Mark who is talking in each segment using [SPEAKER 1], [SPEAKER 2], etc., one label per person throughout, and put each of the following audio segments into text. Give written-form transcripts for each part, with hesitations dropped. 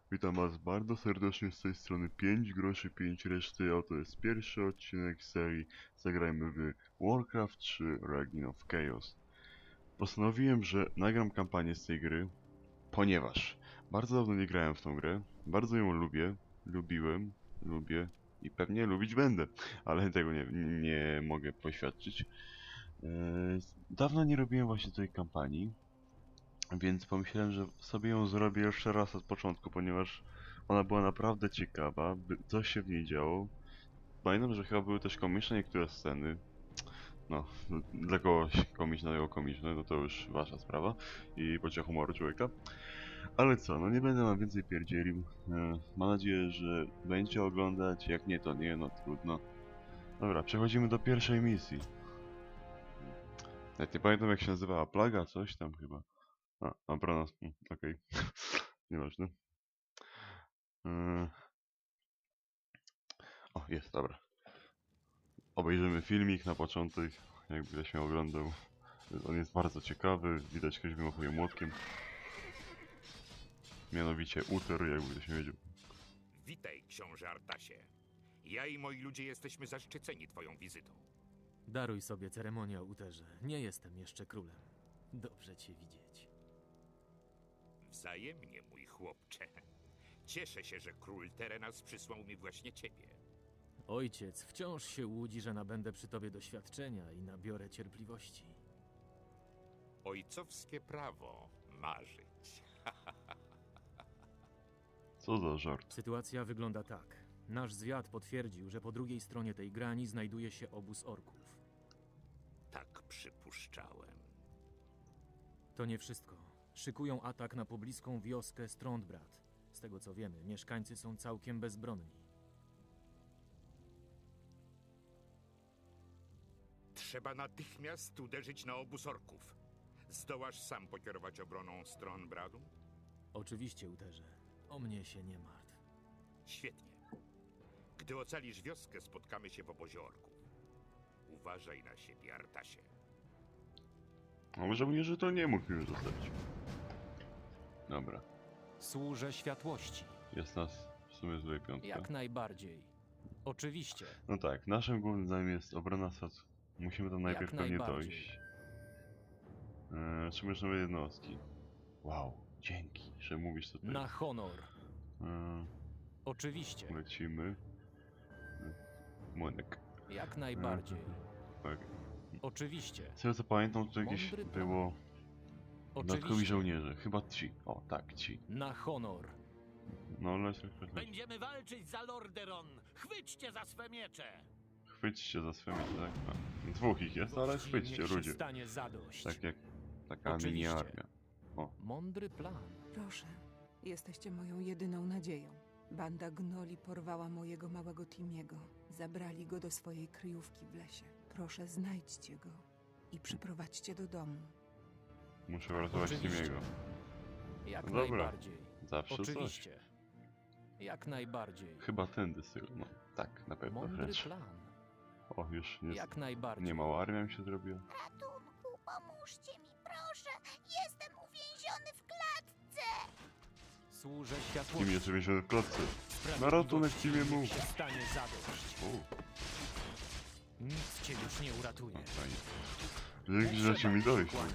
[SPEAKER 1] Witam was bardzo serdecznie z tej strony 5 groszy 5 reszty, a to jest pierwszy odcinek serii Zagrajmy w Warcraft 3 Reign of Chaos. Postanowiłem, że nagram kampanię z tej gry, ponieważ bardzo dawno nie grałem w tą grę, bardzo ją lubię i pewnie lubić będę, ale tego nie mogę poświadczyć. Dawno nie robiłem właśnie tej kampanii, więc pomyślałem, że sobie ją zrobię jeszcze raz od początku, ponieważ ona była naprawdę ciekawa, coś się w niej działo. Pamiętam, że chyba były też komiczne niektóre sceny. No, dla kogoś komiczne, no to już wasza sprawa i poczucia humoru człowieka. Ale co, no nie będę wam więcej pierdzielił. Mam nadzieję, że będziecie oglądać, jak nie to nie, no trudno. Dobra, przechodzimy do pierwszej misji. Nawet nie pamiętam jak się nazywała, plaga, coś tam chyba. A, obrona, okej. Nieważne. Yy, O, jest, dobra. Obejrzymy filmik na początek, jakby ktoś mnie oglądał. On jest bardzo ciekawy, widać ktoś wymachuje młotkiem. Mianowicie Uther, jakby ktoś nie wiedział.
[SPEAKER 2] Witaj, książę Artasie. Ja i moi ludzie jesteśmy zaszczyceni twoją wizytą.
[SPEAKER 3] Daruj sobie ceremonię o Uterze. Nie jestem jeszcze królem. Dobrze cię widzieć.
[SPEAKER 2] Wzajemnie, mój chłopcze. Cieszę się, że król Terenas przysłał mi właśnie ciebie.
[SPEAKER 3] Ojciec wciąż się łudzi, że nabędę przy tobie doświadczenia i nabiorę cierpliwości.
[SPEAKER 2] Ojcowskie prawo marzyć.
[SPEAKER 1] Co za żart.
[SPEAKER 3] Sytuacja wygląda tak. Nasz zwiad potwierdził, że po drugiej stronie tej grani znajduje się obóz orków.
[SPEAKER 2] Tak przypuszczałem.
[SPEAKER 3] To nie wszystko. Szykują atak na pobliską wioskę Strondbrat. Z tego co wiemy, mieszkańcy są całkiem bezbronni.
[SPEAKER 2] Trzeba natychmiast uderzyć na obóz orków. Zdołasz sam pokierować obroną stron Bradu?
[SPEAKER 3] Oczywiście, Uterze. O mnie się nie martw.
[SPEAKER 2] Świetnie. Gdy ocalisz wioskę, spotkamy się w obozie orków. Uważaj na siebie, Artasie.
[SPEAKER 1] A może mnie, że to nie mógł już zostać. Dobra,
[SPEAKER 3] Służę światłości.
[SPEAKER 1] jest nas w sumie złej piątka.
[SPEAKER 3] Jak najbardziej. Oczywiście.
[SPEAKER 1] No tak, naszym głównym zadaniem jest obrona stacji. Musimy tam najpierw pewnie
[SPEAKER 3] najbardziej.
[SPEAKER 1] dojść. Otrzymujesz nowe jednostki. Wow, dzięki, że mówisz tutaj.
[SPEAKER 3] Na honor. Oczywiście.
[SPEAKER 1] Lecimy. Młynek.
[SPEAKER 3] Jak najbardziej.
[SPEAKER 1] Tak.
[SPEAKER 3] Oczywiście.
[SPEAKER 1] Z tego co pamiętam, to gdzieś
[SPEAKER 3] Mądry plan.
[SPEAKER 1] było dodatkowi
[SPEAKER 3] Oczywiście.
[SPEAKER 1] żołnierze. Chyba ci. O, tak, ci.
[SPEAKER 3] Na honor.
[SPEAKER 1] No, leć.
[SPEAKER 4] Będziemy walczyć za Lordaeron! Chwyćcie za swe miecze!
[SPEAKER 1] Chwyćcie za swoje miecze, tak? No, dwóch ich jest, ale
[SPEAKER 3] Gości
[SPEAKER 1] chwyćcie,
[SPEAKER 3] niech się
[SPEAKER 1] ludzie.
[SPEAKER 3] stanie zadość.
[SPEAKER 1] Tak jak taka mini
[SPEAKER 3] Oczywiście.
[SPEAKER 1] armia.
[SPEAKER 3] Mądry plan.
[SPEAKER 5] Proszę, jesteście moją jedyną nadzieją. Banda gnoli porwała mojego małego Timiego. Zabrali go do swojej kryjówki w lesie. Proszę, znajdźcie go i przyprowadźcie do domu.
[SPEAKER 1] Muszę uratować
[SPEAKER 3] Oczywiście.
[SPEAKER 1] Timiego.
[SPEAKER 3] Jak
[SPEAKER 1] No dobra.
[SPEAKER 3] najbardziej.
[SPEAKER 1] Zawsze coś.
[SPEAKER 3] Oczywiście. Jak najbardziej.
[SPEAKER 1] Chyba tędy styl. No, tak, na pewno
[SPEAKER 3] Mądry
[SPEAKER 1] wręcz.
[SPEAKER 3] plan.
[SPEAKER 1] O, już nie,
[SPEAKER 3] Jak najbardziej.
[SPEAKER 1] nie mała armia mi się zrobiła.
[SPEAKER 6] Ratunku, pomóżcie mi, proszę! Jestem uwięziony w klatce!
[SPEAKER 3] Służę
[SPEAKER 1] Tim
[SPEAKER 3] światłości.
[SPEAKER 1] jeszcze więziony w klatce.
[SPEAKER 3] Sprawiedliwości
[SPEAKER 1] Na ratunek Timie mu.
[SPEAKER 3] niech się stanie zadość.
[SPEAKER 1] O,
[SPEAKER 3] Nic cię już nie uratuje.
[SPEAKER 1] no fajnie. Dzięki, że ci mi dojść w ogóle.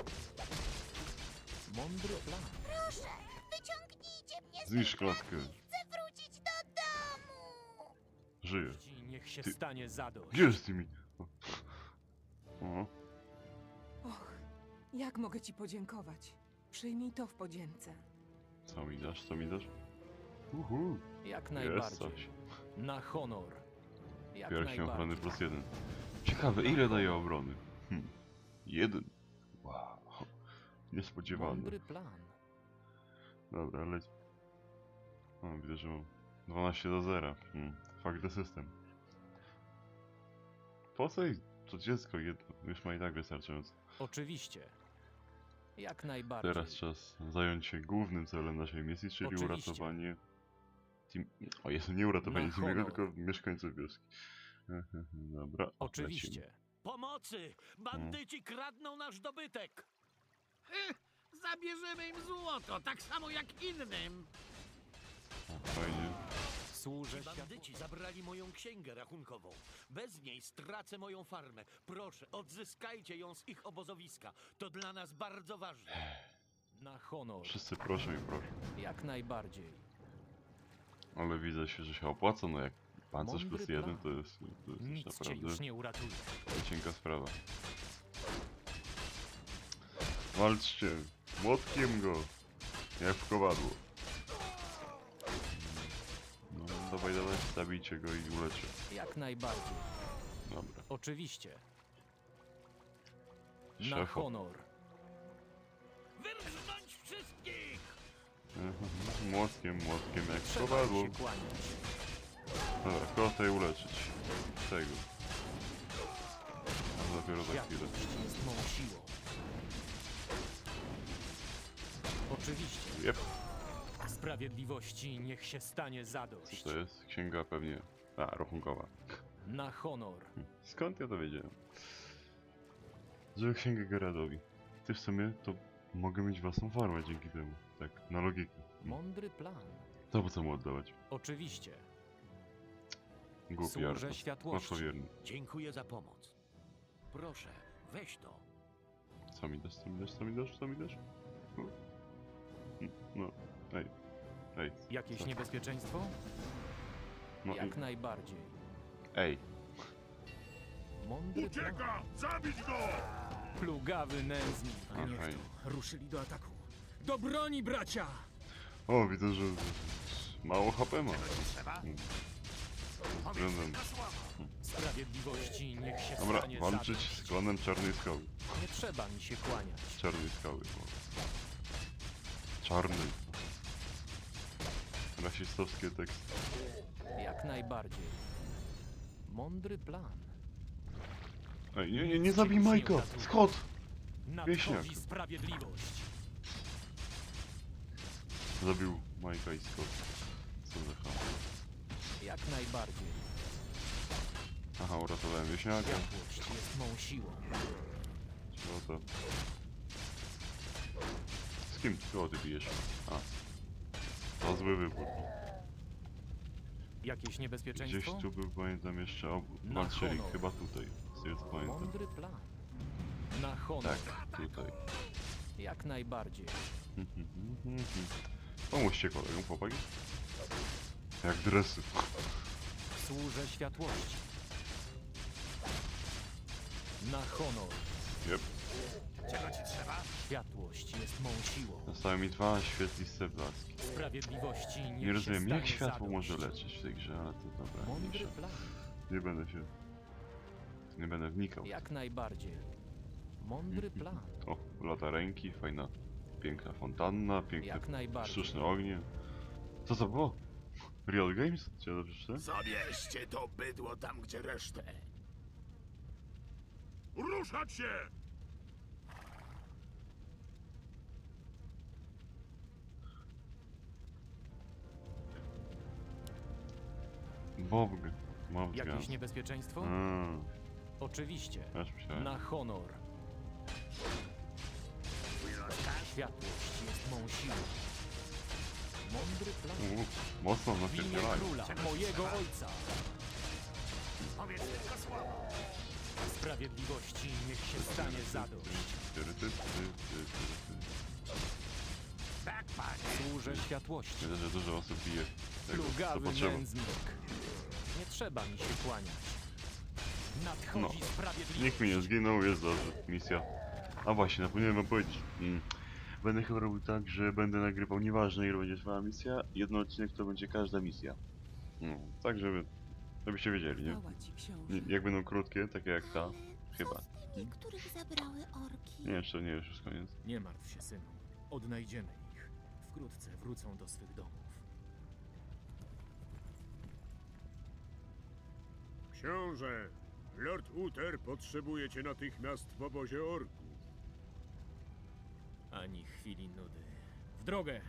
[SPEAKER 3] Mądry plan.
[SPEAKER 6] Proszę, wyciągnijcie mnie z
[SPEAKER 1] Zniszcz
[SPEAKER 6] tej klatki!
[SPEAKER 1] klatkę.
[SPEAKER 6] Chcę wrócić do domu!
[SPEAKER 1] Żyje.
[SPEAKER 3] Ci niech się
[SPEAKER 1] Ty-
[SPEAKER 3] stanie zadość.
[SPEAKER 1] Gdzie jest Timi? O,
[SPEAKER 5] Och, jak mogę ci podziękować? Przyjmij to w podzięce.
[SPEAKER 1] co mi dasz, co mi dasz?
[SPEAKER 3] Jak
[SPEAKER 1] Jest
[SPEAKER 3] najbardziej.
[SPEAKER 1] coś.
[SPEAKER 3] Na honor. Jak
[SPEAKER 1] Pierścień ochrony
[SPEAKER 3] najbardziej.
[SPEAKER 1] +1. Ciekawe, ile daje obrony? 1. Wow. Niespodziewane.
[SPEAKER 3] Mądry plan.
[SPEAKER 1] Dobra, leć. O, widzę, że mam 12-0. Fuck the system. Po co jej to dziecko jedno? Już ma i tak wystarczająco.
[SPEAKER 3] Oczywiście. Jak najbardziej.
[SPEAKER 1] Teraz czas zająć się głównym celem naszej misji, czyli
[SPEAKER 3] Oczywiście.
[SPEAKER 1] uratowanie... O Jezu, nie uratowanie
[SPEAKER 3] Na
[SPEAKER 1] Timiego,
[SPEAKER 3] honor.
[SPEAKER 1] tylko mieszkańców wioski. Dobra, o, lecimy.
[SPEAKER 3] Oczywiście.
[SPEAKER 4] Pomocy! Bandyci kradną nasz dobytek!
[SPEAKER 7] Zabierzemy im złoto, tak samo jak innym.
[SPEAKER 1] fajnie.
[SPEAKER 3] Służę
[SPEAKER 4] Bandyci zabrali moją księgę rachunkową. Bez niej stracę moją farmę. Proszę, odzyskajcie ją z ich obozowiska. To dla nas bardzo ważne.
[SPEAKER 3] na honor.
[SPEAKER 1] Wszyscy proszą i proszą.
[SPEAKER 3] Jak najbardziej.
[SPEAKER 1] Ale widzę się, że się opłaca, no jak pancerz
[SPEAKER 3] Mądry
[SPEAKER 1] plus 1
[SPEAKER 3] plan.
[SPEAKER 1] to jest już
[SPEAKER 3] Nic cię
[SPEAKER 1] naprawdę
[SPEAKER 3] już nie uratuje.
[SPEAKER 1] cienka sprawa. Walczcie! Młotkiem go! Jak w kowadło. No dawaj, dawaj, zabijcie go i uleczę.
[SPEAKER 3] Jak najbardziej.
[SPEAKER 1] Dobra.
[SPEAKER 3] Oczywiście. Na
[SPEAKER 1] Szefa.
[SPEAKER 3] honor.
[SPEAKER 4] Wyrżnąć wszystkich!
[SPEAKER 1] Młotkiem jak w
[SPEAKER 3] Trzeba
[SPEAKER 1] kowadło.
[SPEAKER 3] się kłaniać.
[SPEAKER 1] Dobra, kota i uleczyć. Tego. A dopiero za chwilę.
[SPEAKER 3] Światłość jest mą siłą. Oczywiście.
[SPEAKER 1] Jep,
[SPEAKER 3] Sprawiedliwości niech się stanie
[SPEAKER 1] co
[SPEAKER 3] zadość.
[SPEAKER 1] to jest? Księga pewnie... A, rachunkowa.
[SPEAKER 3] Na honor.
[SPEAKER 1] Skąd ja to wiedziałem? Żeby księgę Geradowi. Ty w sumie to mogę mieć własną farmę dzięki temu. Tak, na logikę.
[SPEAKER 3] Mądry plan.
[SPEAKER 1] To po co mu oddawać?
[SPEAKER 3] Oczywiście.
[SPEAKER 1] Głupi
[SPEAKER 3] Służę
[SPEAKER 1] Arthur.
[SPEAKER 3] światłości.
[SPEAKER 1] Łatwowierny.
[SPEAKER 4] Dziękuję za pomoc. Proszę, weź to.
[SPEAKER 1] Co mi dasz, co mi dasz, co mi dasz, co mi dasz? No. No, ej. Ej.
[SPEAKER 3] Jakieś
[SPEAKER 1] co?
[SPEAKER 3] niebezpieczeństwo?
[SPEAKER 1] No
[SPEAKER 3] Jak
[SPEAKER 1] i...
[SPEAKER 3] najbardziej.
[SPEAKER 1] Ej.
[SPEAKER 3] Mądry plan.
[SPEAKER 2] Zabić go!
[SPEAKER 3] Plugawy nędznik.
[SPEAKER 1] A,
[SPEAKER 3] Niech
[SPEAKER 1] fajnie.
[SPEAKER 3] to. Ruszyli do ataku. Do broni, bracia!
[SPEAKER 1] O, widzę, że mało HP ma.
[SPEAKER 2] Trzeba?
[SPEAKER 1] Względem.
[SPEAKER 3] Sprawiedliwości niech się
[SPEAKER 1] Dobra,
[SPEAKER 3] stanie
[SPEAKER 1] walczyć
[SPEAKER 3] zadość.
[SPEAKER 1] z klanem Czarnej Skały.
[SPEAKER 3] Nie trzeba mi się kłaniać.
[SPEAKER 1] Czarnej Skały, bo... Czarnej. Rasistowskie teksty.
[SPEAKER 3] Jak najbardziej. Mądry plan.
[SPEAKER 1] Ej, nie zabij Majka! Scott! Wieśniak.
[SPEAKER 3] Nadchodzi sprawiedliwość.
[SPEAKER 1] Zabił Majka i Scott. Co za ham.
[SPEAKER 3] Jak najbardziej.
[SPEAKER 1] Aha, uratowałem wieśniaka.
[SPEAKER 3] Światłość jest mą siłą.
[SPEAKER 1] Co to? Z kim ty bijesz? A. To zły wybór.
[SPEAKER 3] Jakieś
[SPEAKER 1] Gdzieś
[SPEAKER 3] niebezpieczeństwo?
[SPEAKER 1] tu był, pamiętam jeszcze,
[SPEAKER 3] Na
[SPEAKER 1] walczyli
[SPEAKER 3] honor.
[SPEAKER 1] chyba tutaj. Z tego co pamiętam.
[SPEAKER 3] Mądry plan. Na honor.
[SPEAKER 1] Tak, tutaj.
[SPEAKER 3] Jak najbardziej.
[SPEAKER 1] Pomóżcie kolegom, chłopaki. Jak dresy.
[SPEAKER 3] Służę światłości. Na honor.
[SPEAKER 1] Jep.
[SPEAKER 2] Czego ci trzeba?
[SPEAKER 3] Światłość jest mą siłą.
[SPEAKER 1] Zostały mi 2 świetliste blaski.
[SPEAKER 3] Sprawiedliwości niech
[SPEAKER 1] Nie rozumiem,
[SPEAKER 3] się
[SPEAKER 1] jak
[SPEAKER 3] stanie
[SPEAKER 1] światło
[SPEAKER 3] zadość.
[SPEAKER 1] może leczyć w tej grze, ale to dobra,
[SPEAKER 3] Mądry
[SPEAKER 1] mniejsza.
[SPEAKER 3] plan.
[SPEAKER 1] Nie będę się... Nie będę wnikał.
[SPEAKER 3] Jak najbardziej. Mądry plan.
[SPEAKER 1] O, lata ręki, fajna, piękna fontanna, piękne
[SPEAKER 3] Jak najbardziej.
[SPEAKER 1] sztuczne ognie. Co to było? Real Games? Czy ja dobrze przeczytałem?
[SPEAKER 2] Zabierzcie to bydło tam, gdzie resztę. Ruszać się!
[SPEAKER 1] Bobg. Mobg.
[SPEAKER 3] Jakieś niebezpieczeństwo?
[SPEAKER 1] Aż
[SPEAKER 3] Oczywiście.
[SPEAKER 1] myślałem.
[SPEAKER 3] Na honor. Światłość jest mą siłą. Mądry plan.
[SPEAKER 1] Mocno
[SPEAKER 3] W imię
[SPEAKER 1] napierdzielali.
[SPEAKER 3] króla, mojego ojca.
[SPEAKER 2] Powiedz tylko słowo.
[SPEAKER 3] Sprawiedliwości niech się stanie zadość.
[SPEAKER 2] Tak, panie.
[SPEAKER 3] Służę światłości.
[SPEAKER 1] Myślę, że dużo osób bije tego, co
[SPEAKER 3] Plugawy
[SPEAKER 1] potrzeba.
[SPEAKER 3] nędznik. Nie trzeba mi się kłaniać. Nadchodzi sprawiedliwość.
[SPEAKER 1] Nikt mi nie zginął, jest dobrze. Misja. A właśnie, zapomniałem wam powiedzieć. Będę chyba robił tak, że będę nagrywał nieważne ile będzie trwała misja, jeden odcinek to będzie każda misja. No, tak żebyście wiedzieli, nie?
[SPEAKER 5] Chwała ci, książę.
[SPEAKER 1] Jak będą krótkie, takie jak ta,
[SPEAKER 6] Ale
[SPEAKER 1] chyba.
[SPEAKER 6] co z tymi, których zabrały orki?
[SPEAKER 1] Nie, jeszcze nie, już jest koniec.
[SPEAKER 3] Nie martw się, synu. Odnajdziemy ich. Wkrótce wrócą do swych domów.
[SPEAKER 7] Książę, Lord Uther potrzebuje cię natychmiast w obozie orków.
[SPEAKER 3] Ani chwili nudy. W drogę!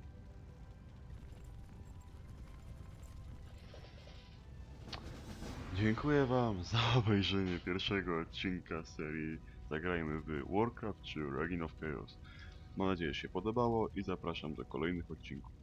[SPEAKER 1] Dziękuję wam za obejrzenie pierwszego odcinka serii Zagrajmy w Warcraft czy Reign of Chaos. Mam nadzieję, że się podobało i zapraszam do kolejnych odcinków.